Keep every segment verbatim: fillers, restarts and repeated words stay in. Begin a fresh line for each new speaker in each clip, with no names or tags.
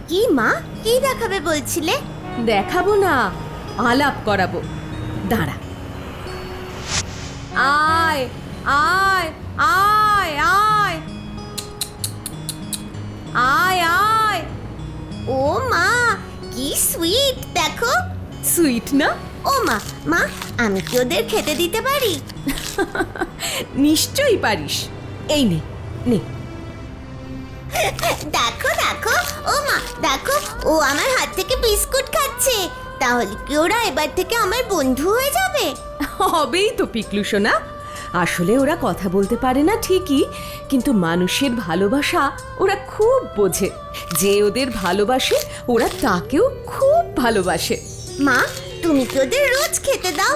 কি মা, কি দেখাবে বলছিলে?
দেখাবো না, আলাপ করাবো। দাঁড়া। আয় আয় আয় আয় আয় আয়।
ও মা, কি সুইট দেখো।
সুইট না?
ও মা, মা আমি কি ওদের খেতে দিতে পারি?
নিশ্চয়ই পারিস। এই নে নে।
দেখো দেখো, ও মা দেখো, ও আমার হাত থেকে বিস্কুট খাচ্ছে। তাহলে কি ওরা এবার থেকে আমার বন্ধু হয়ে যাবে?
হবেই তো পিকলু সোনা। আসলে ওরা কথা বলতে পারে না ঠিকই, কিন্তু মানুষের ভালোবাসা ওরা খুব বোঝে। যে ওদের ভালোবাসে ওরা তাকেও খুব ভালোবাসে।
মা, তুমি কি ওদের রোজ খেতে দাও?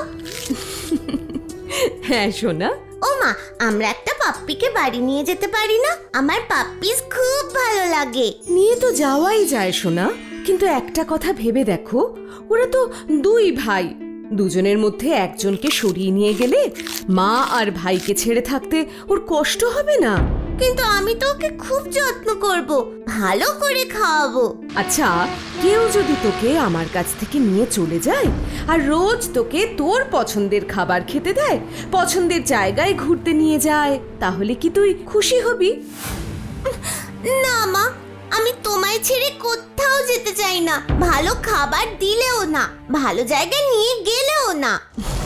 হ্যাঁ সোনা।
ও মা, আমরা একটা পাপ্পিকে বাড়ি নিয়ে যেতে পারি না? আমার পাপ্পিস খুব ভালো লাগে।
নিয়ে তো যাওয়াই যায় সোনা, কিন্তু একটা কথা ভেবে দেখো, ওরা তো দুই ভাই। দুজনের মধ্যে একজনকে সরিয়ে নিয়ে গেলে মা আর ভাইকে ছেড়ে থাকতে ওর কষ্ট হবে না?
কিন্তু আমি তো ওকে খুব যত্ন করব, ভালো করে খাওয়াবো।
আচ্ছা, কেউ যদি তোকে আমার কাছ থেকে নিয়ে চলে যায় আর রোজ তোকে তোর পছন্দের খাবার খেতে দেয়, পছন্দের জায়গায় ঘুরতে নিয়ে যায়, তাহলে কি তুই খুশি হবি?
না মা, আমি তোমায় ছেড়ে কোথাও যেতে চাই না। ভালো খাবার দিলেও না, ভালো জায়গায় নিয়ে গেলেও না।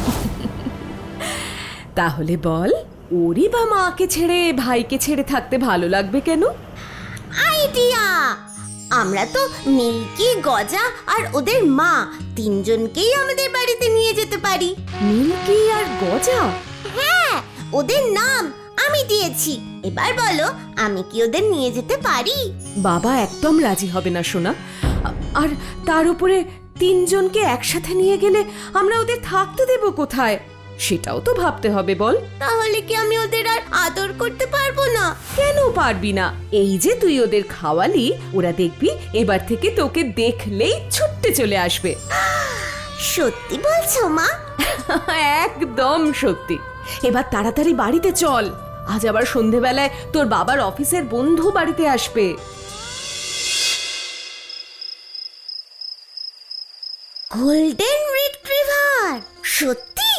তাহলে বল, ওরই বা মাকে ছেড়ে ভাইকে ছেড়ে থাকতে ভালো লাগবে কেন?
আইডিয়া! আমরা তো মিল্কি, গজা আর ওদের মা তিনজনকেই আমাদের বাড়িতে নিয়ে যেতে পারি।
মিল্কি আর গজা?
হ্যাঁ, ওদের নাম আমি দিয়েছি। এবার বলো, আমি কি ওদের নিয়ে যেতে পারি?
বাবা একদম রাজি হবে না সোনা। আর তার উপরে তিনজনকে একসাথে নিয়ে গেলে আমরা ওদের থাকতে দেব কোথায়, সেটাও তো ভাবতে হবে বল।
তাহলে কি আমি ওদের আর আদর করতে পারবো না?
কেন পারবি না? এই যে তুই ওদের খাওয়ালি, ওরা দেখবি এবার থেকে তোকে দেখলেই ছুটতে চলে আসবে।
সত্যি বলছো মা?
একদম সত্যি। এবার তাড়াতাড়ি বাড়িতে চল, আজ আবার সন্ধেবেলায় তোর বাবার অফিসের বন্ধু বাড়িতে আসবে।
Golden retriever? সত্যি?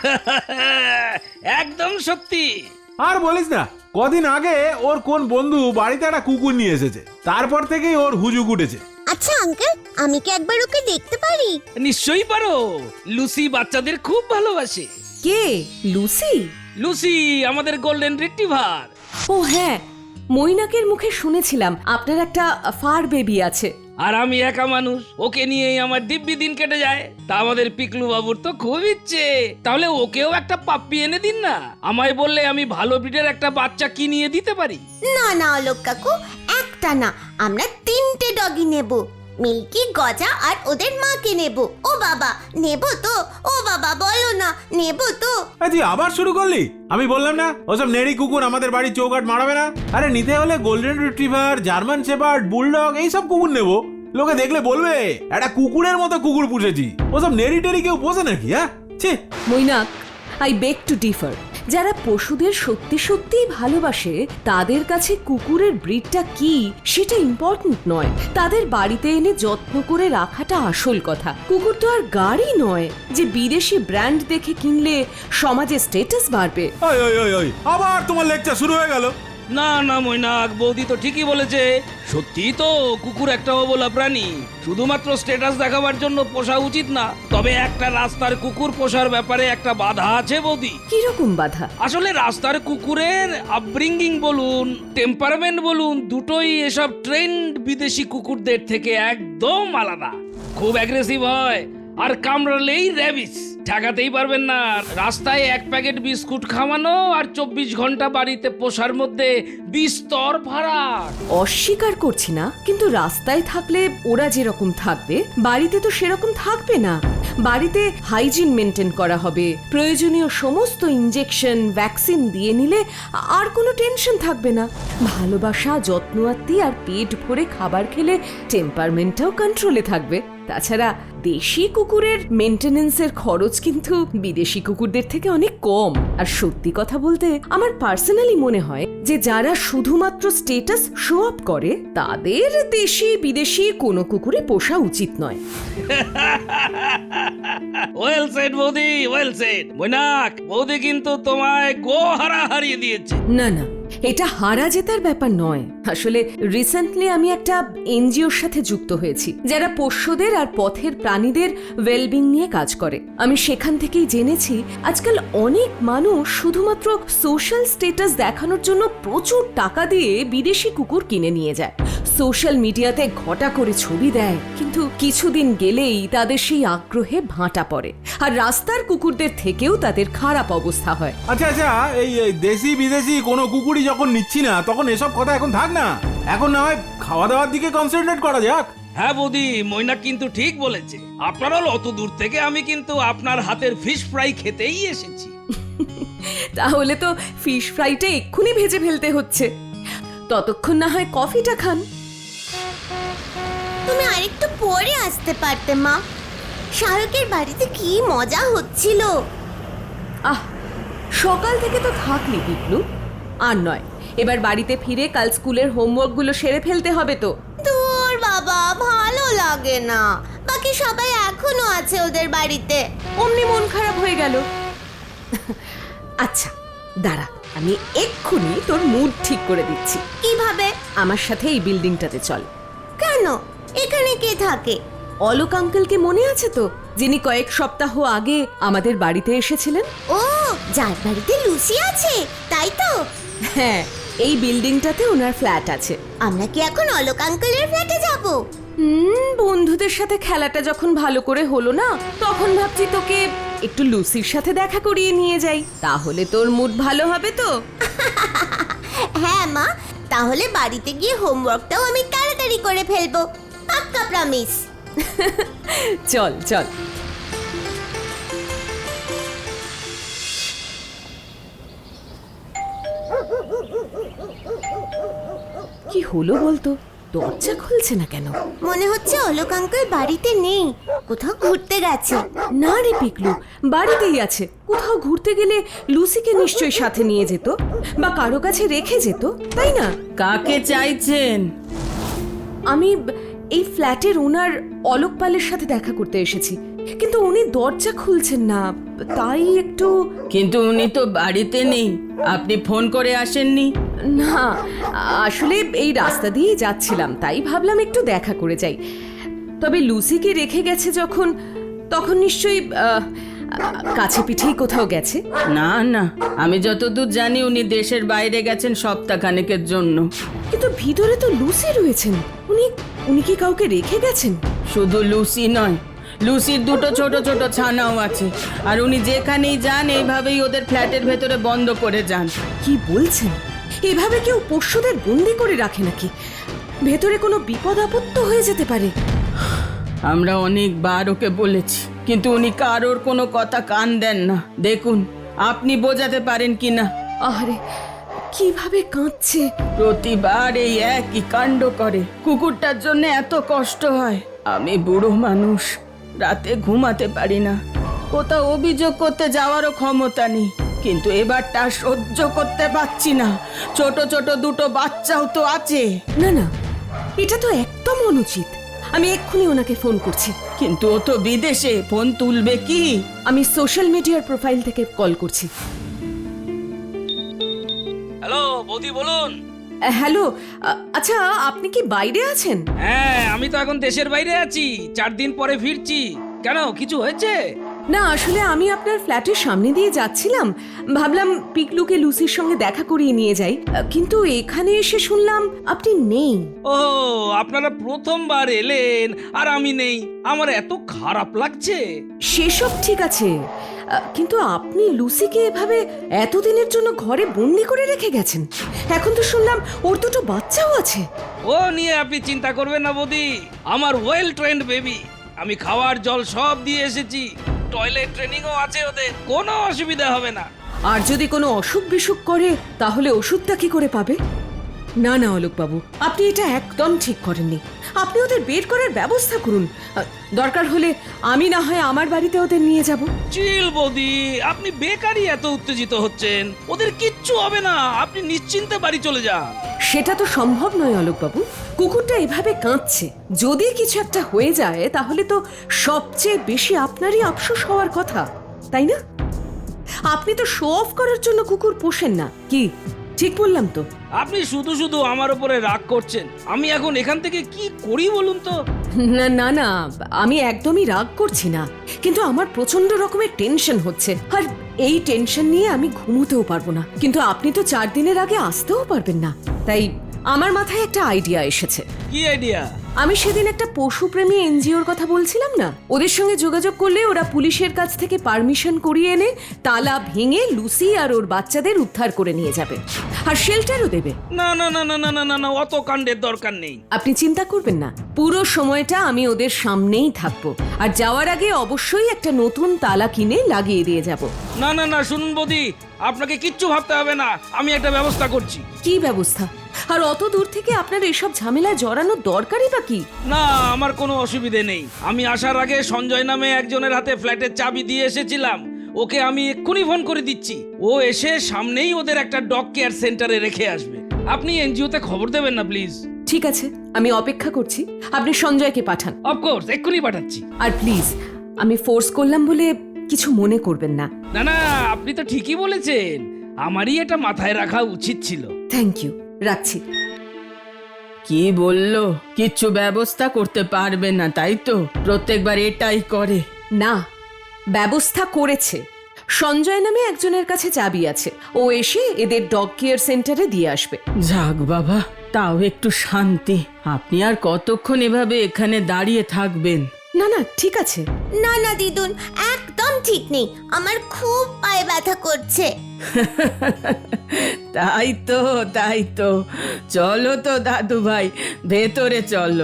একদম সত্যি।
আর বলিস না, কদিন আগে ওর কোন বন্ধু বাড়িতে একটা কুকুর নিয়ে এসেছে, তারপর থেকেই ওর হুজুক উঠেছে।
আচ্ছা আঙ্কেল, আমি কি একবার ওকে দেখতে পারি?
নিশ্চয়ই পারো। লুসি বাচ্চাদের খুব ভালোবাসে।
কে? লুসি?
লুসি আমাদের গোল্ডেন রিট্রিভার।
ও হ্যাঁ, মৈনাকের মুখে শুনেছিলাম আপনার একটা ফার বেবি আছে।
আর আমি একা মানুষ, ওকে নিয়েই আমার দিব্যি দিন কেটে যায়। তা আমাদের পিকলু বাবুর তো খুব ইচ্ছে, তাহলে ওকেও একটা পাপ্পি এনে দিন না। আমায় বললে আমি ভালো ব্রিডের একটা বাচ্চা কিনিয়ে দিতে পারি।
না না অলোক কাকু, একটা না, আমরা তিনটে ডগি নেব। মিল্কি, গজা আর ওদের মাকে নেব। ও বাবা, নেব তো? ও বাবা বলো না, নেব তো?
তুই আবার শুরু করলি? আমি বললাম না ওসব নেড়ি কুকুর আমাদের বাড়ির চৌকাট মারাবে না। আরে নিতে হলে golden retriever, German shepherd, bulldog এইসব কুকুর নেবো। লোকে দেখলে বলবে একটা কুকুরের মতো কুকুর পুষেছি। ওসব নেড়ি টেড়ি কেউ পোষে নাকি? হ্যাঁ, ছি।
Mainak, I beg to differ. যারা পশুদের সত্যি সত্যিই ভালোবাসে তাদের কাছে কুকুরের ব্রিডটা কি সেটা ইম্পর্টেন্ট নয়, তাদের বাড়িতে এনে যত্ন করে রাখাটা আসল কথা। কুকুর তো আর গাড়ি নয় যে বিদেশি ব্র্যান্ড দেখে কিনলে সমাজে স্ট্যাটাস বাড়বে।
ওই ওই ওই ওই আবার তোমার লেকচার শুরু হয়ে গেল।
না না মৈনাক, বৌদি তো ঠিকই বলেছে। সত্যি তো কুকুর একটা অবলা প্রাণী, শুধুমাত্র স্ট্যাটাস দেখাবার জন্য পোষা উচিত না। তবে একটা রাস্তার কুকুর পোষার ব্যাপারে একটা বাধা আছে বৌদি।
কিরকম বাধা?
আসলে রাস্তার কুকুরের আপব্রিঙ্গিং বলুন, টেম্পারমেন্ট বলুন, দুটোই এসব ট্রেন্ড বিদেশি কুকুরদের থেকে একদম আলাদা। খুব অ্যাগ্রেসিভ হয় আর কামড়ালেই র্যাবিস, ঠেকাতেই পারবেন না। রাস্তায় এক প্যাকেট বিস্কুট খাওয়ানো আর চব্বিশ ঘন্টা বাড়িতে পোষার মধ্যে বিস্তর ফারাক।
অস্বীকার করছি না, কিন্তু রাস্তায় থাকলে ওরা যেরকম থাকবে বাড়িতে তো সেরকম থাকবে না। বাড়িতে হাইজিন মেনটেন করা হবে, প্রয়োজনীয় সমস্ত ইনজেকশন, ভ্যাকসিন দিয়ে নিলে আর কোনো টেনশন থাকবে না। ভালোবাসা, যত্ন আত্মি আর পেট ভরে খাবার খেলে টেম্পারমেন্টটাও কন্ট্রোলে থাকবে। তাছাড়া দেশি কুকুরের মেনটেনেন্সের খরচ কিন্তু বিদেশি কুকুরদের থেকে অনেক কম। আর সত্যি কথা বলতে আমার পার্সোনালি মনে হয় যে যারা শুধুমাত্র স্টেটাস শো আপ করে তাদের দেশি বিদেশি কোনো কুকুরই পোষা উচিত নয়।
ওয়েল সেড বৌদি, ওয়েল সেড। মৈনাক, বৌদি কিন্তু তোমায় গো হারা হারিয়ে দিয়েছে।
না না, এটা হারা জেতার ব্যাপার নয়। আসলে রিসেন্টলি আমি একটা এনজিওর সাথে যুক্ত হয়েছি যারা পোষ্যদের আর পথের প্রাণীদের ওয়েলবিং নিয়ে কাজ করে। আমি সেখান থেকেই জেনেছি আজকাল অনেক মানুষ শুধুমাত্র সোশ্যাল স্ট্যাটাস দেখানোর জন্য প্রচুর টাকা দিয়ে বিদেশি কুকুর কিনে নিয়ে যায়, সোশ্যাল মিডিয়াতে ঘটা করে ছবি দেয়, কিন্তু কিছুদিন গেলেই তাদের সেই আগ্রহে ভাঁটা পড়ে আর রাস্তার কুকুরদের থেকেও তাদের খারাপ অবস্থা হয়।
আচ্ছা আচ্ছা, এই এই দেশি বিদেশি কোনো কুকুরই যখন নিচ্ছি না তখন এসব কথা এখন থাক না, এখন না হয় খাওয়া দাওয়ার দিকে কনসেন্ট্রেট করা যাক।
হ্যাঁ বৌদি, মৈনাক কিন্তু ঠিক বলেছে। আপনারা অত দূর থেকে আমি কিন্তু আপনার হাতের ফিশ ফ্রাই খেতেই এসেছি।
তাহলে তো ফিশ ফ্রাইটা এক্ষুনি ভেজে ফেলতে হচ্ছে, ততক্ষণ না হয় কফিটা খান।
তুমি আরেকটু পরে আসতে পারতে মা, শাহরুখের বাড়িতে কি মজা হচ্ছিল।
আহ, সকাল থেকে তো থাকলি পিকলু, আর নয়, এবার বাড়িতে ফিরে কাল স্কুলের হোমওয়ার্কগুলো সেরে ফেলতে হবে তো।
দূর বাবা, ভালো লাগে না, বাকি সবাই এখনো আছে ওদের বাড়িতে।
অমনি মন খারাপ হয়ে গেল। আচ্ছা দাঁড়া, আমি এক্ষুনি তোর মুড ঠিক করে দিচ্ছি।
কিভাবে?
আমার সাথে এই বিল্ডিংটাতে চল।
কেন? এখানে কে থাকে?
অলোক আঙ্কেলকে মনে আছে তো, যিনি কয়েক সপ্তাহ আগে আমাদের বাড়িতে এসেছিলেন?
ও, যার বাড়িতে লুসি আছে, তাই তো?
হ্যাঁ, এই বিল্ডিংটাতে ওনার ফ্ল্যাট আছে।
আমরা কি এখন অলোক আঙ্কেলের ফ্ল্যাটে যাব?
হুম, বন্ধুদের সাথে খেলাটা যখন ভালো করে হলো না, তখন ভাবছি তোকে একটু লুসির সাথে দেখা করিয়ে নিয়ে যাই, তাহলে তোর মুড ভালো হবে তো।
হ্যাঁ মা, তাহলে বাড়িতে গিয়ে হোমওয়ার্কটাও আমি তাড়াতাড়ি করে ফেলবো, পাক্কা প্রমিস।
চল চল। কি হলো বলতো, দরজা খুলছে না কেন?
মনে হচ্ছে অলোক আঙ্কেল বাড়িতে নেই, কোথাও ঘুরতে গেছে।
না রে পিকলু, বাড়িতেই আছে। কোথাও ঘুরতে গেলে লুসিকে নিশ্চয়ই সাথে নিয়ে যেত বা কারো কাছে রেখে যেত, তাই না?
কাকে চাইছেন?
আমি এই ফ্ল্যাটের ওনার অলোক পালের সাথে দেখা করতে এসেছি, কিন্তু উনি দরজা খুলছেন না, তাই একটু।
কিন্তু উনি তো বাড়িতে নেই, আপনি ফোন করে আসেননি?
না, আসলে এই রাস্তা দিয়েই যাচ্ছিলাম, তাই ভাবলাম একটু দেখা করে যাই। তবে লুসিকে রেখে গেছে যখন, তখন নিশ্চয়ই আহ, কাছে পিঠেই কোথাও গেছে।
না না, আমি যতদূর জানি উনি দেশের বাইরে গেছেন সপ্তাহখানেকের জন্য।
কিন্তু ভিতরে তো লুসি রয়েছেন, উনি উনি কি কাউকে রেখে গেছেন?
শুধু লুসি নয়, লুসির দুটো ছোট ছোট ছানাও আছে, আর উনি যেখানেই যান এইভাবেই ওদের ফ্ল্যাটের ভেতরে বন্ধ করে যান।
কি বলছেন? এভাবে কেউ পোষ্যদের বন্দি করে রাখে নাকি? ভেতরে কোনো বিপদ আপদ হয়ে যেতে পারে।
আমরা অনেকবার ওকে বলেছি, কিন্তু উনি কারোর কোনো কথা কান দেন না। দেখুন, আপনি বোঝাতে পারেন কি না।
আরে কিভাবে কাঁদছে!
প্রতিবার এই একই কাণ্ড করে। কুকুরটার জন্য এত কষ্ট হয়। আমি বুড়ো মানুষ, রাতে ঘুমাতে পারি না, কোথাও অভিযোগ করতে যাওয়ারও ক্ষমতা নেই, কিন্তু এবারটা সহ্য করতে পারছি না। ছোট ছোট দুটো বাচ্চাও তো আছে।
না না, এটা তো একদম অনুচিত। আমি এক্ষুনি ওনাকে ফোন করছি।
কিন্তু ও তো বিদেশে, ফোন তুলবে কি?
আমি সোশ্যাল মিডিয়ার প্রোফাইল থেকে কল করছি।
হ্যালো বৌদি, বলুন।
আহ, হ্যালো, আ- আচ্ছা আপনি কি বাইরে আছেন?
হ্যাঁ, আমি তো এখন দেশের বাইরে আছি, চার দিন পরে ফিরছি। কেন, কিছু হয়েছে?
না, আসলে আমি আপনার ফ্ল্যাটের সামনে দিয়ে যাচ্ছিলাম, ভাবলাম পিকলুকে লুসির সঙ্গে দেখা করিয়ে নিয়ে যাই, আহ, কিন্তু এখানে এসে শুনলাম আপনি নেই।
ও, আপনারা প্রথমবার এলেন আর আমি নেই, আমার এত খারাপ লাগছে।
সেসব ঠিক আছে, আহ, কিন্তু আপনি লুসিকে এভাবে এতদিনের জন্য ঘরে বন্দি করে রেখে গেছেন। এখন তো শুনলাম ওর দুটো বাচ্চাও আছে।
ও নিয়ে আপনি চিন্তা করবেন না বৌদি, আমার ওয়েল ট্রেন্ড বেবি। আমি খাওয়ার জল সব দিয়ে এসেছি, টয়লেট ট্রেনিংও আছে ওদের, কোনো অসুবিধা হবে না।
আর যদি কোনো অসুখ বিসুখ করে তাহলে ওষুধটা কি করে পাবে? না না অলোকবাবু, আপনি এটা একদম ঠিক করেননি। আপনি ওদের বের করার ব্যবস্থা করুন। আহ, দরকার হলে আমি না হয় আমার বাড়িতে ওদের নিয়ে যাব।
চিল বৌদি, আপনি বেকারই এত উত্তেজিত হচ্ছেন। ওদের কিচ্ছু হবে না, আপনি নিশ্চিন্তে বাড়ি চলে যান।
সেটা তো সম্ভব নয় অলোকবাবু। কুকুরটা এভাবে কাঁদছে, যদি কিছু একটা হয়ে যায় তাহলে তো সবচেয়ে বেশি আপনারই আফসোস হওয়ার কথা, তাই না? আপনি তো শো অফ করার জন্য কুকুর পোষেন না, কি ঠিক বললাম তো?
আপনি শুধু শুধু আমার উপরে রাগ করছেন। আমি এখন এখান থেকে কি করি বলুন তো?
না না না, আমি একদমই রাগ করছি না, কিন্তু আমার প্রচন্ড রকমের টেনশন হচ্ছে, আর এই টেনশন নিয়ে আমি ঘুমোতেও পারবো না। কিন্তু আপনি তো চার দিনের আগে আসতেও পারবেন না, তাই আমার মাথায় একটা আইডিয়া এসেছে।
কি আইডিয়া?
আমি সেদিন একটা পশুপ্রেমী এনজিওর কথা বলছিলাম না, ওদের সঙ্গে যোগাযোগ করলে ওরা পুলিশের কাছ থেকে পারমিশন করিয়ে এনে তালা ভেঙে লুসি আর ওর বাচ্চাদের উদ্ধার করে নিয়ে যাবে, আর শেল্টারও দেবে।
না না না না না না না না, অত কাণ্ডের দরকার নেই।
আপনি চিন্তা করবেন না, পুরো সময়টা আমি ওদের সামনেই থাকবো, আর যাওয়ার আগে অবশ্যই একটা নতুন তালা কিনে লাগিয়ে দিয়ে যাব।
না না না, শুনুন বৌদি, আপনাকে কিচ্ছু ভাবতে হবে না, আমি একটা ব্যবস্থা করছি।
কি ব্যবস্থা? আর অত দূর থেকে আপনার এসব ঝামেলায় জড়ানোর দরকারই বা কি?
না, আমার কোনো অসুবিধে নেই। আমি আসার আগে সঞ্জয় নামে একজনের হাতে ফ্ল্যাটের চাবি দিয়ে এসেছিলাম, ওকে আমি এক্ষুনি ফোন করে দিচ্ছি। ও এসে সামনেই ওদের একটা ডগ কেয়ার সেন্টারে রেখে আসবে। আপনি এনজিওতে খবর দেবেন না প্লিজ?
ঠিক আছে, আমি অপেক্ষা করছি, আপনি সঞ্জয়কে পাঠান।
অফকোর্স, এক্ষুনি পাঠাচ্ছি।
আর প্লিজ, আমি ফোর্স করলাম বলে কিছু মনে করবেন না।
না না, আপনি তো ঠিকই বলেছেন, আমারই এটা মাথায় রাখা উচিত ছিল।
থ্যাংক ইউ, রাখছি।
কি বললো? কিচ্ছু ব্যবস্থা করতে পারবে না, তাই তো? প্রত্যেকবার এটাই করে।
না, ব্যবস্থা করেছে। সঞ্জয় নামে একজনের কাছে চাবি আছে, ও এসে এদের ডগ কেয়ার সেন্টারে দিয়ে আসবে।
যাক বাবা, তাও একটু শান্তি। আপনি আর কতক্ষণ এভাবে এখানে দাঁড়িয়ে থাকবেন?
না না, ঠিক আছে।
না না দিদুন, একদম ঠিক নেই, আমার খুব পায়ে ব্যথা করছে।
তাই তো তাই তো চলো তো দাদু ভাই, ভেতরে চলো।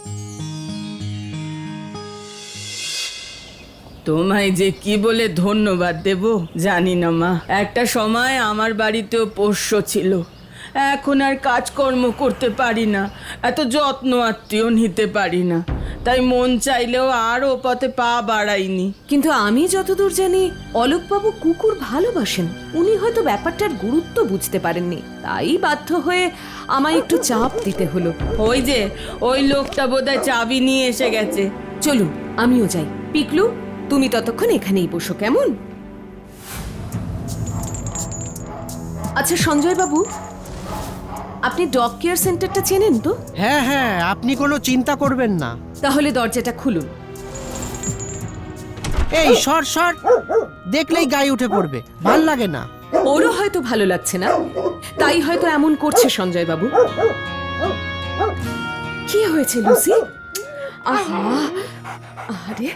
তোমায় যে কি বলে ধন্যবাদ দেব জানি না মা। একটা সময় আমার বাড়িতেও পোষ্য ছিল, এখন আর কাজকর্ম করতে পারি না, এত যত্ন আত্মীয় নিতে পারি না, তাই মন চাইলেও আর ও পথে পা বাড়াইনি।
কিন্তু আমি যতদূর জানি অলোকবাবু কুকুর ভালোবাসেন, উনি হয়তো ব্যাপারটার গুরুত্ব বুঝতে পারেননি, তাই বাধ্য হয়ে আমায় একটু চাপ দিতে হলো।
ওই যে ওই লোকটা বোধহয় চাবি নিয়ে এসে গেছে।
চলুন আমিও যাই। পিকলু, তুমি ততক্ষণ এখানেই বসো, কেমন? আচ্ছা সঞ্জয় বাবু, আপনি ডগ কেয়ার সেন্টারটা চেনেন তো?
হ্যাঁ হ্যাঁ, আপনি কোনো চিন্তা করবেন না।
তাহলে দরজাটা খুলুন।
এই সর সর, দেখলেই গায়ে উঠে পড়বে, ভাল লাগে না।
ওরও হয়তো ভালো লাগছে না, তাই হয়তো এমন করছে সঞ্জয় বাবু। কি হয়েছে লুসি? আহা, আরে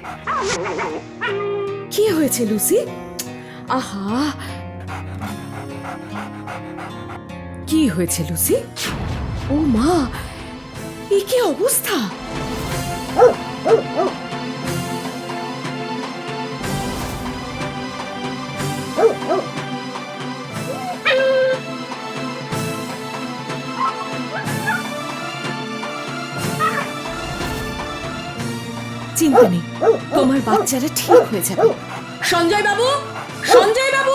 কি হয়েছে লুসি? আহা, কি হয়েছে লুসি? ও মা, এ কি অবস্থা? চিন্তা নেই, তোমার বাচ্চারা ঠিক হয়ে যাবে। সঞ্জয় বাবু, সঞ্জয় বাবু!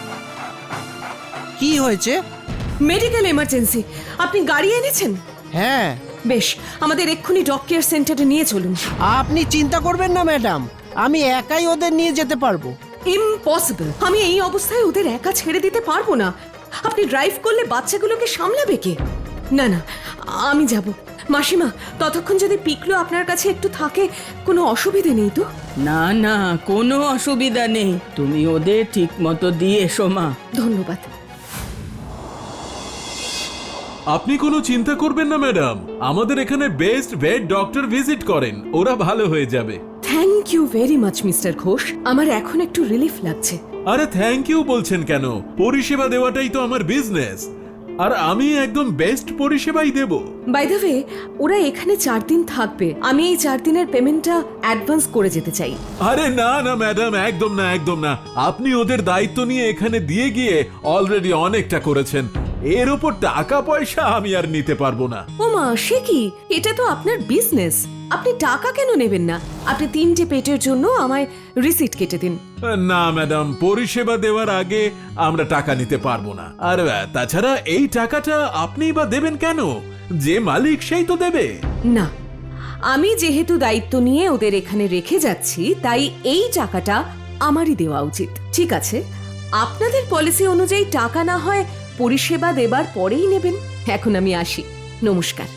কি হয়েছে?
মেডিকেল এমার্জেন্সি, আপনি গাড়ি এনেছেন?
হ্যাঁ।
বেশ, আমাদের এক্ষুনি ডগ কেয়ার সেন্টারে নিয়ে চলুন।
আপনি চিন্তা করবেন না ম্যাডাম, আমি একাই ওদের নিয়ে যেতে পারবো।
ইম্পসিবল, আমি এই অবস্থায় ওদের একা ছেড়ে দিতে পারবো না। আপনি ড্রাইভ করলে বাচ্চাগুলোকে সামলাবে কে? না না, আমি যাব। মাসিমা, ততক্ষণ যদি পিকলু আপনার কাছে একটু থাকে, কোনো অসুবিধে নেই তো?
না না, কোনো অসুবিধা নেই, তুমি ওদের ঠিক মতো দিয়ে এসো মা।
ধন্যবাদ।
আপনি কোনো চিন্তা করবেন না ম্যাডাম, আমাদের এখানে বেস্ট ভেট ডক্টর ভিজিট করেন, ওরা ভালো হয়ে যাবে।
Thank you very much mister Ghosh, আমার এখন একটু রিলিফ লাগছে।
আরে থ্যাংক ইউ বলছেন কেন? পরিষেবা দেওয়াটাই তো আমার বিজনেস, আর আমি একদম বেস্ট পরিষেবাই দেব।
বাই দ্য ওয়ে, ওরা এখানে চার দিন থাকবে, আমি এই চার দিনের পেমেন্টটা অ্যাডভান্স করে যেতে চাই।
আরে না না ম্যাডাম, একদম না একদম না, আপনি ওদের দায়িত্ব নিয়ে এখানে দিয়ে গিয়ে অলরেডি অনেকটা করেছেন। এর উপর টাকা পয়সা আমি আর নিতে পারবো না।
ও মা, সে কি? এটা তো আপনার বিজনেস, আপনি টাকা কেন নেবেন না? আপনি তিনটে পেটের জন্য আমায় রিসিট কেটে দিন।
না ম্যাডাম, পরিষেবা দেওয়ার আগে আমরা টাকা নিতে পারবো না। আর আহ, তাছাড়া এই টাকাটা আপনি বা দেবেন কেন? যে মালিক সেই তো দেবে।
না, আমি যেহেতু দায়িত্ব নিয়ে ওদের এখানে রেখে যাচ্ছি, তাই এই টাকাটা আমারই দেওয়া উচিত। ঠিক আছে, আপনাদের পলিসি অনুযায়ী টাকা না হয় পরিষেবা দেবার পরেই নেবেন। এখন আমি আসি, নমস্কার।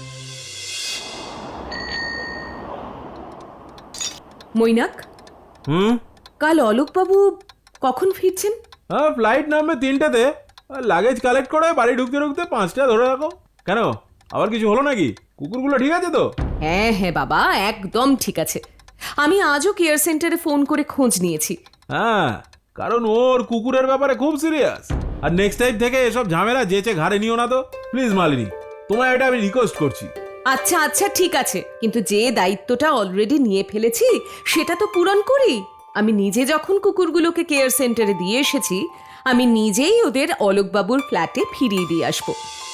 মৈনাক,
হুম,
কাল অলোকবাবু কখন ফিরছেন?
হ্যাঁ, ফ্লাইট নামবে তিনটাতে। লাগেজ কালেক্ট করে বাড়ি ঢুকতে ঢুকতে পাঁচটা ধরে রাখো। কেন, আবার কিছু হলো নাকি? কুকুরগুলো ঠিক আছে তো?
হ্যাঁ হ্যাঁ বাবা, একদম ঠিক আছে। আমি আজও কেয়ার সেন্টারে ফোন করে খোঁজ নিয়েছি।
হ্যাঁ, কারণ ওর কুকুরের ব্যাপারে খুব সিরিয়াস। আর নেক্সট টাইম থেকে এসব ঝামেলা যেচে ঘাড়ে নিও না তো প্লিজ মালিনী, তোমায় এটা আমি রিকোয়েস্ট করছি।
আচ্ছা আচ্ছা ঠিক আছে, কিন্তু যে দায়িত্বটা অলরেডি নিয়ে ফেলেছি সেটা তো পূরণ করি। আমি নিজে যখন কুকুরগুলোকে কেয়ার সেন্টারে দিয়ে এসেছি, আমি নিজেই ওদের অলোকবাবুর ফ্ল্যাটে ফিরিয়ে দিয়ে আসবো।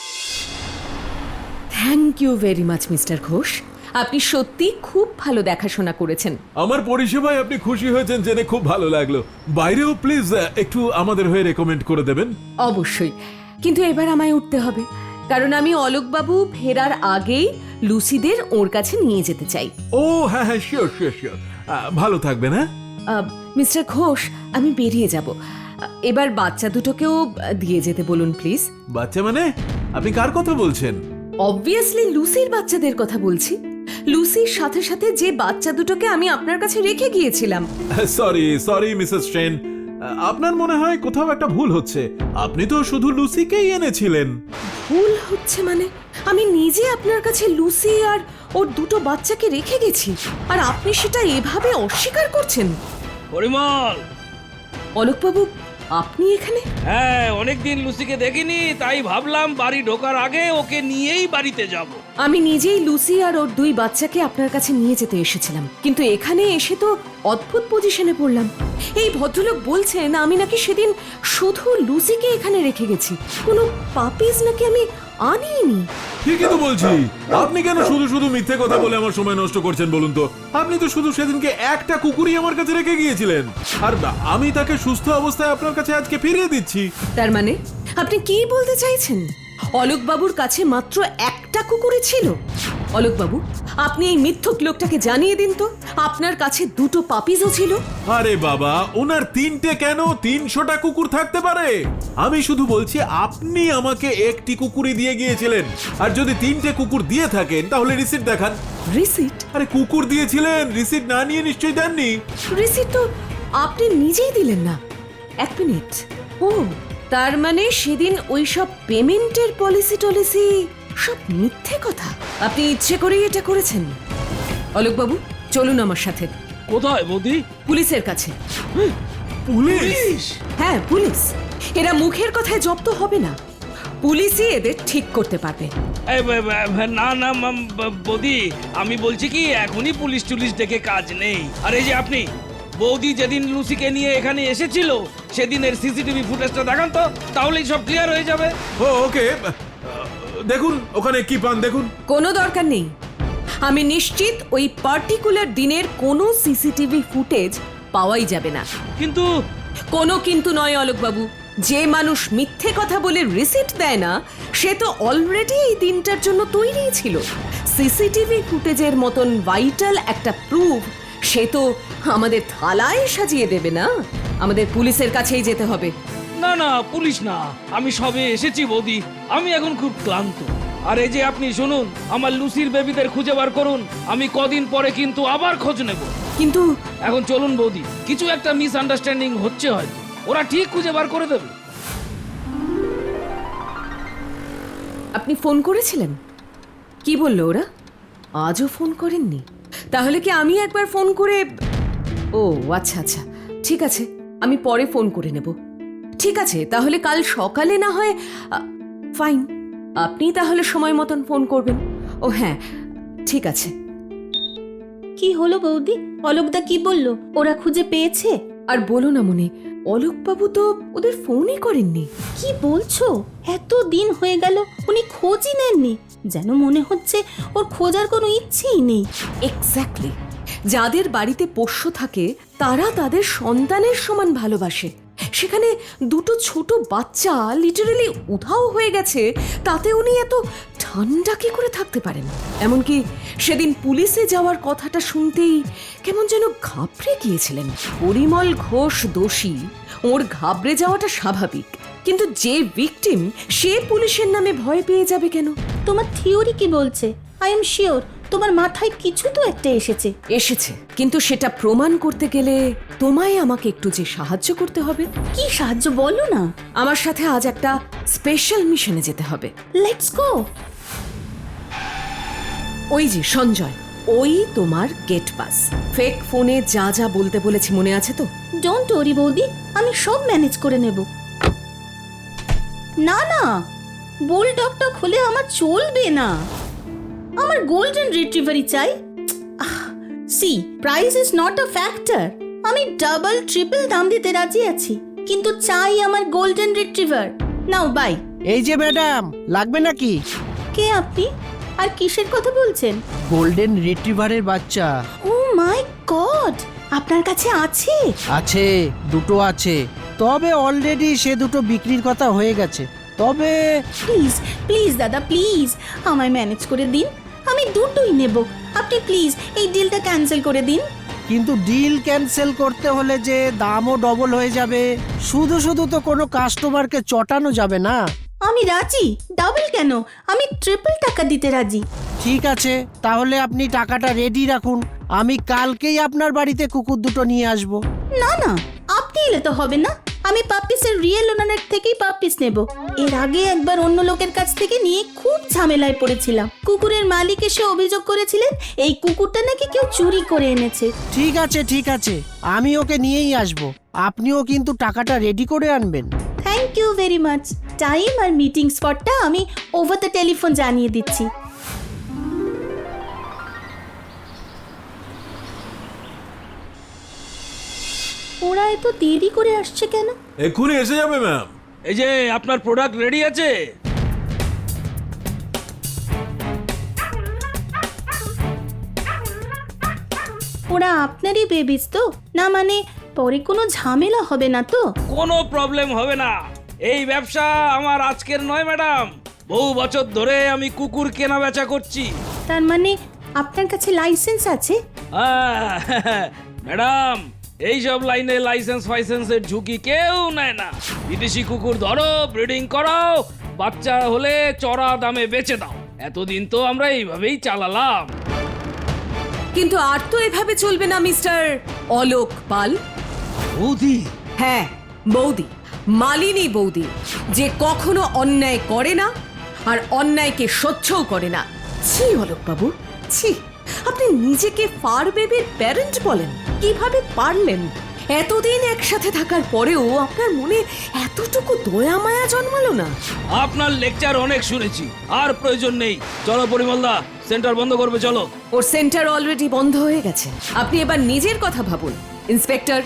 Thank you very much mister Ghosh, আপনি সত্যি খুব ভালো দেখাশোনা করেছেন।
আমার পরিষেবায় আপনি খুশি হয়েছেন জেনে খুব ভালো লাগলো। বাইরেও প্লিজ একটু আমাদের হয়ে রেকমেন্ড করে দেবেন।
অবশ্যই, কিন্তু এবার আমায় উঠতে হবে, কারণ আমি অলোকবাবু ফেরার আগেই লুসিদের ওর কাছে নিয়ে যেতে চাই।
ও হ্যাঁ হ্যাঁ, শিওর শিওর শিওর। ভালো থাকবেন। হ্যাঁ
মিস্টার ঘোষ, আমি বেরিয়ে যাব। এবার বাচ্চা দুটোকেও দিয়ে যেতে বলুন প্লিজ।
বাচ্চা মানে? আপনি কার কথা বলছেন?
অবভিয়াসলি লুসির বাচ্চাদের কথা বলছি। লুসির সাথে সাথে যে বাচ্চা দুটোকে আমি আপনার কাছে রেখে গিয়েছিলাম।
সরি সরি মিসেস ট্রেন, আপনার মনে হয় কোথাও একটা ভুল হচ্ছে। আপনি তো শুধু লুসিকেই এনেছিলেন।
ভুল হচ্ছে মানে? আমি নিজে আপনার কাছে লুসি আর ওর দুটো বাচ্চাকে রেখে গেছি, আর আপনি সেটা এভাবে অস্বীকার করছেন।
পরিমল,
অলোকবাবু, আপনি এখানে?
হ্যাঁ, অনেকদিন লুসিকে দেখিনি, তাই ভাবলাম বাড়ি ঢোকার আগে ওকে নিয়েই বাড়িতে যাব।
আমি নিজেই লুসি আর ওর দুই বাচ্চাকে আপনার কাছে নিয়ে যেতে এসেছিলাম, কিন্তু এখানে এসে তো অদ্ভুত পজিশনে পড়লাম। এই ভদ্রলোক বলছেন আমি নাকি সেদিন শুধু লুসিকে এখানে রেখে গেছি, কোনো পাপিজ নাকি আমি আনিনি।
ঠিকই তো বলছি। আপনি কেন শুধু শুধু মিথ্যে কথা বলে আমার সময় নষ্ট করছেন বলুন তো? আপনি তো শুধু সেদিনকে একটা কুকুরই আমার কাছে রেখে গিয়েছিলেন, আর আমি তাকে সুস্থ অবস্থায় আপনার কাছে আজকে ফিরিয়ে দিচ্ছি।
তার মানে আপনি কি বলতে চাইছেন? অলোকবাবুর কাছে মাত্র একটা কুকুরই ছিল? অলোকবাবু, আপনি এই মিথ্যুক লোকটাকে জানিয়ে দিন তো আপনার কাছে দুটো পাপিজও ছিল।
আরে বাবা, ওনার তিনটে কেন তিনশোটা কুকুর থাকতে পারে। আমি শুধু বলছি আপনি আমাকে একটি কুকুরই দিয়ে গিয়েছিলেন, আর যদি তিনটে কুকুর দিয়ে থাকেন তাহলে রিসিট দেখান।
রিসিট?
আরে কুকুর দিয়েছিলেন, রিসিট না নিয়ে নিশ্চয়ই দেননি।
রিসিট তো আপনি নিজেই দিলেন না। এক মিনিট, ও তার মানে সেদিন ওই সব পেমেন্টের পলিসি টলিসি সব মিথ্যে কথা। আপনি ইচ্ছে করেই এটা করেছেন। অলোকবাবু, চলুন আমার সাথে।
কোথায় বৌদি?
পুলিশের কাছে।
পুলিশ?
হ্যাঁ, পুলিশ। এরা মুখের কথায় জব্দ হবে না, পুলিশই এদের ঠিক করতে পারবে।
এই, ব- ব- না না মাম- ব- বৌদি, আমি বলছি কি এখনই পুলিশ টুলিশ দেখে কাজ নেই। আর এই যে আপনি, বৌদি যেদিন লুসিকে নিয়ে এখানে এসেছিল সেদিনের সিসিটিভি ফুটেজটা দেখান তো, তাহলেই সব ক্লিয়ার হয়ে যাবে।
ও ওকে, দেখুন ওখানে কি পান দেখুন।
কোনো দরকার নেই, আমি নিশ্চিত ওই পার্টিকুলার দিনের কোনো সিসিটিভি ফুটেজ পাওয়াই যাবে না।
কিন্তু
কোনো কিন্তু নয় অলোকবাবু, যে মানুষ মিথ্যে কথা বলে রিসিট দেয় না সে তো অলরেডি এই দিনটার জন্য তৈরি ছিল। সিসিটিভি ফুটেজের মতন ভাইটাল একটা প্রুফ সে তো আমাদের থালায় সাজিয়ে দেবে না, আমাদের পুলিশের কাছেই যেতে হবে।
না না, পুলিশ না, আমি সবে এসেছি বৌদি, আমি এখন খুব ক্লান্ত। আর এই যে আপনি শুনুন, আমার লুসির বেবিদের খুঁজে বার করুন, আমি কদিন পরে কিন্তু আবার খোঁজ নেব।
কিন্তু
এখন চলুন বৌদি, কিছু একটা মিসআন্ডারস্ট্যান্ডিং হচ্ছে হয়তো, ওরা ঠিক খুঁজে বার করে দেবে।
আপনি ফোন করেছিলেন? কি বললো ওরা? আজও ফোন করেননি? তাহলে কি আমি একবার ফোন করে... ও আচ্ছা আচ্ছা, ঠিক আছে, আমি পরে ফোন করে নেব। ঠিক আছে, তাহলে কাল সকালে না হয়... ফাইন, আপনি তাহলে সময় মতন ফোন করবেন। ও হ্যাঁ, ঠিক আছে।
কি হলো বৌদি? অলোকদা কি বললো? ওরা খুঁজে পেয়েছে?
আর বলো না মনে, অলোকবাবু তো ওদের ফোনই করেননি।
কি বলছো? এত দিন হয়ে গেল উনি খোঁজই নেননি, যেন মনে হচ্ছে ওর খোঁজার কোনো ইচ্ছেই নেই।
এক্স্যাক্টলি, যাদের বাড়িতে পোষ্য থাকে তারা তাদের সন্তানের সমান ভালোবাসে। সেখানে দুটো ছোট বাচ্চা লিটারালি উধাও হয়ে গেছে, তাতে উনি এত ঠান্ডা কি করে থাকতে পারেন? এমনকি সেদিন পুলিশে যাওয়ার কথাটা শুনতেই কেমন যেন ঘাবড়ে গিয়েছিলেন। পরিমল ঘোষ দোষী, ওর ঘাবড়ে যাওয়াটা স্বাভাবিক, কিন্তু যে ভিকটিম সে পুলিশের নামে ভয় পেয়ে যাবে কেন?
তোমার থিওরি কি বলছে? আই এম শিওর তোমার মাথায় কিছু তো একটা এসেছে।
এসেছে, কিন্তু সেটা প্রমাণ করতে গেলে তোমায় আমাকে একটু যে সাহায্য করতে হবে।
কি সাহায্য বলো না।
আমার সাথে আজ একটা স্পেশাল মিশনে যেতে হবে।
Let's go.
ওই যে সঞ্জয়, ওই তোমার গেট পাস। ফেক ফোনে যা যা বলতে বলেছি মনে আছে তো?
ডোন্ট ওরি বৌদি, আমি সব ম্যানেজ করে নেব। না না, বুলডগটা খুলে আমার চলবে না, আমার গোল্ডেন রিট্রিভারই চাই। See, price is not a factor. আমি ডাবল ট্রিপল দাম দিতে রাজি আছি, কিন্তু চাই আমার গোল্ডেন রিট্রিভার। Now by.
এই যে ম্যাডাম, লাগবে নাকি?
কে আপনি আর কিসের কথা বলছেন?
গোল্ডেন রিট্রিভারের বাচ্চা
ও মাই গড, আপনার কাছে আছে?
আছে, দুটো আছে, তবে অলরেডি সে দুটো বিক্রির কথা হয়ে গেছে। তবে
প্লিজ প্লিজ দাদা, প্লিজ আমায় ম্যানেজ করে দিন, আমি দুটোই নেব। আপনি প্লিজ এই ডিলটা ক্যান্সেল করে দিন।
কিন্তু ডিল ক্যান্সেল করতে হলে যে দামও ডবল হয়ে যাবে, শুধু শুধু তো কোনো কাস্টমারকে চটানো যাবে না।
আমি রাজি, ডাবল কেন, আমি ট্রিপল টাকা দিতে রাজি।
ঠিক আছে, তাহলে আপনি টাকাটা রেডি রাখুন, আমি কালকেই আপনার বাড়িতে কুকুর দুটো নিয়ে আসব।
না না, আপনি এলে তো হবে না, আমি পাপ্পিসের রিয়েল ওনারের থেকেই পাপ্পিস নেব। এর আগে একবার অন্য লোকের কাছ থেকে নিয়ে খুব ঝামেলায় পড়েছিলাম। কুকুরের মালিক এসে অভিযোগ করেছিলেন এই কুকুরটা নাকি কেউ চুরি করে এনেছে।
ঠিক আছে ঠিক আছে, আমি ওকে নিয়েই আসব, আপনিও কিন্তু টাকাটা রেডি করে আনবেন।
Thank you very much. Time আর মিটিং স্পটটা আমি ওভার দ্য টেলিফোন জানিয়ে দিচ্ছি। ওরা এত দেরি করে আসছে কেন?
এক্ষুনি এসে যাবে ম্যাম।
এই যে আপনার প্রোডাক্ট রেডি আছে?
ওরা আপনারই বেবিস তো? না মানে পরে কোনো ঝামেলা হবে না তো?
কোনো প্রবলেম হবে না। এই ব্যবসা আমার আজকের নয় ম্যাডাম, বহু বছর ধরে আমি কুকুর কেনা বেচা করছি।
তার মানে আপনার কাছে লাইসেন্স আছে?
আহ, ম্যাডাম, এই সব লাইনে লাইসেন্স ফাইসেন্সের ঝুঁকি কেউ নেয় না। বিদেশি কুকুর ধরো, ব্রিডিং করাও, বাচ্চা হলে চড়া দামে বেচে দাও। এতদিন তো আমরা এইভাবেই চালালাম।
কিন্তু আর তো এভাবে চলবে না মিস্টার অলোক পাল।
বৌদি,
হ্যাঁ বৌদি, মালিনী বৌদি, যে কখনো অন্যায় করে না আর অন্যায়কে সহ্যও করে না। ছি অলোক বাবু, ছি, আপনি নিজেকে ফার বেবির প্যারেন্ট বলেন? কিভাবে পারলেন? এতদিন একসাথে থাকার পরেও আপনার মনে এতটুকু দয়া মায়া জন্মালো না?
আপনার লেকচার অনেক শুনেছি, আর প্রয়োজন নেই। চলো পরিমলদা, সেন্টার বন্ধ করবে, চলো।
ওর সেন্টার অলরেডি বন্ধ হয়ে গেছে, আপনি এবার নিজের কথা ভাবুন। ইন্সপেক্টর,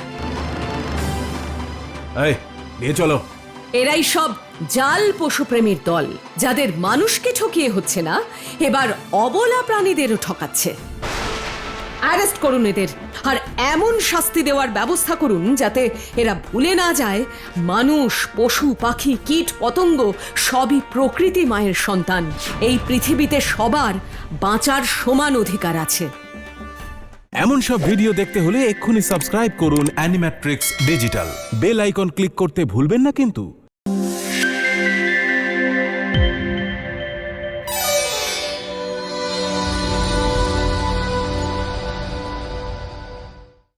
এই নিয়ে চলো।
এরাই সব জাল পশুপ্রেমীর দল, যাদের মানুষকে ঠকিয়ে হচ্ছে না, এবার অবলা প্রাণীদেরও ঠকাচ্ছে। অ্যারেস্ট করুন এদের, আর এমন শাস্তি দেওয়ার ব্যবস্থা করুন যাতে এরা ভুলে না যায় মানুষ, পশু, পাখি, কীট, পতঙ্গ সবই প্রকৃতি মায়ের সন্তান। এই পৃথিবীতে সবার বাঁচার সমান অধিকার আছে।
এমন সব ভিডিও দেখতে হলে এক্ষুনি সাবস্ক্রাইব করুন Animatrix digital. Bell icon click করতে ভুলবেন না কিন্তু।